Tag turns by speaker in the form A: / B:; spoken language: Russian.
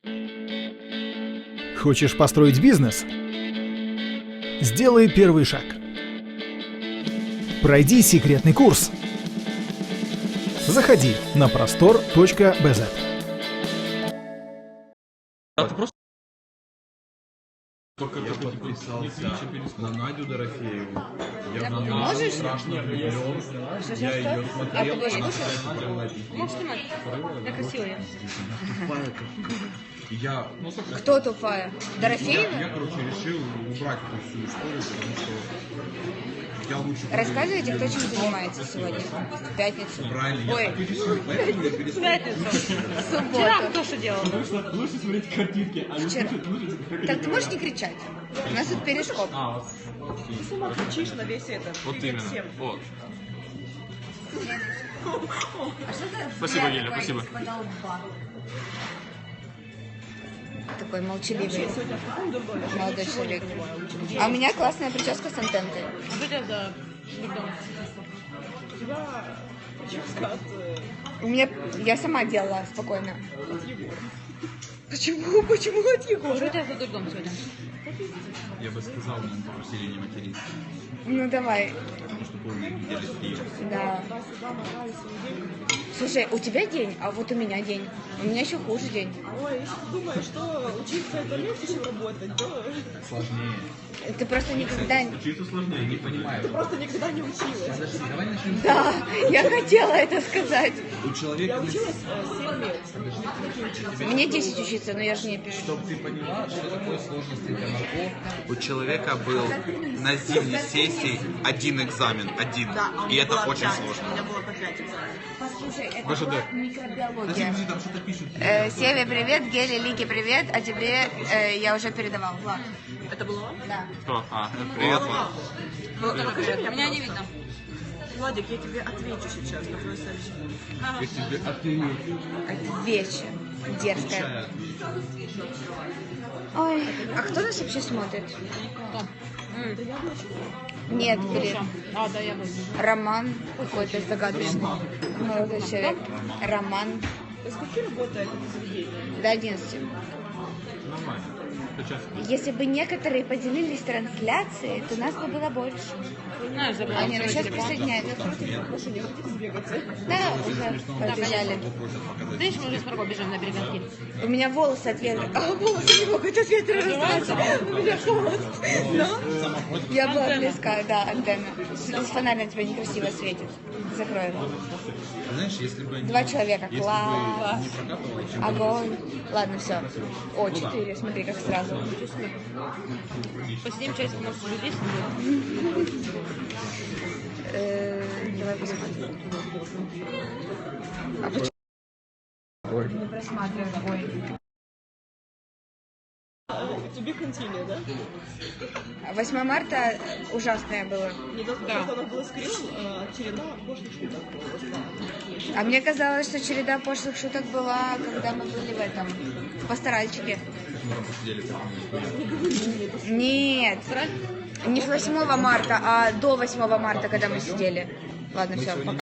A: Хочешь построить бизнес? Сделай первый шаг. Пройди секретный курс. Заходи на prostor.bz.
B: А ты просто...
C: Я подписался на Надю Дорофееву. Я в нее
D: можешь?
C: страшно влюблен. Я ее смотрел, она
D: Можешь снимать? Я красивая.
C: Я,
D: Кто тупая? Дорофеева?
C: я, короче, решил убрать эту всю историю, потому что я лучше...
D: Рассказывайте, кто чем занимается сегодня. В пятницу.
C: Правильно,
D: Ой,
C: я так и решил, поэтому я перестал.
D: в субботу.
E: Кто что делал?
B: Лучше смотреть картинки, а не
D: Вчера. Так ты можешь не кричать? У нас тут перископ.
E: Ты сама кричишь на весь этот.
B: Вот
E: Привет
B: именно.
E: всем.
B: Вот.
D: А что это?
B: Спасибо, Геля, спасибо.
D: Такой молчаливый
E: Сегодня фаундер говорит, что
D: молодой
E: ничего не
D: человек.
E: понимаю.
D: А у меня классная прическа с антенкой.
E: Что у тебя за дом? У тебя прическа от
D: Я сама делала спокойно.
E: Егора.
D: Почему? Почему от Егора?
E: Что у тебя за дурдом сегодня?
C: Я бы сказал, но мы попросили не материться,
D: Ну давай.
C: потому что помню, видели стрим.
D: Да. Слушай, у тебя день, а вот у меня день. У меня еще хуже день.
E: Ой, если ты думаешь, что учиться это легче, чем работать, то
C: Сложнее.
D: Ты просто никогда...
C: Учиться сложнее, не понимаю.
E: ты просто никогда не училась.
C: Подожди, давай начнем.
D: Да, я хотела это сказать.
C: У человека...
E: Я училась 7 лет.
D: Мне 10 учиться, но я же не пишу.
C: Чтобы ты поняла, что такое сложности для нарко,
F: У человека был на зимней сессии один экзамен, один. И это очень сложно.
E: У меня было по 5 экзаменов.
D: Послушай, это
B: ВЖД.
D: была микробиология.
C: подожди, там что-то пишут.
D: Севе, привет, Геле, Лике, привет, а тебе я уже передавал. Влад.
E: Это было вам?
D: Да.
B: Кто? Привет, Влад.
E: Покажи меня не видно. Владик, я тебе отвечу сейчас на твое сообщение.
C: Я тебе отвечу.
D: Отвечу. Дерзкая. Ой, а кто нас вообще смотрит? Нет, блин.
E: А, да, я буду.
D: Роман какой-то загадочный. Молодой человек. Роман.
E: До скольки работает это заведение?
D: До 11.
C: Нормально. Сейчас.
D: Если бы некоторые поделились трансляцией, то нас бы было больше.
E: Знаешь, забыла.
D: Они сейчас присоединяются. Да, уже побежали.
E: Ты еще уже с Марго бежим на береганки.
D: У меня волосы от ветра. А, волосы не могут от ветра раздаться. У меня холод. Но я была близка, да, антенна. Фонарь на тебя некрасиво светит. Закрой его.
C: Знаешь, если бы...
D: 2 человека.
C: Если
D: Класс.
C: бы не прокапывало, чем
D: Огонь. Ладно, все. О, 4. Смотри, как сразу.
E: Посидим часик, может, уже 10
D: Давай посмотрим. А почему не просматриваем? Ой.
E: Тебе континью, да?
D: 8 марта ужасное было.
E: Недавно у нас было с Кириллом череда пошлых шуток.
D: А мне казалось, что череда пошлых шуток была, когда мы были в этом, в пасторальчике.
C: мы там посидели 5 минут.
D: Нет, не с 8 марта, а до 8 марта, когда мы сидели. Ладно, все, пока.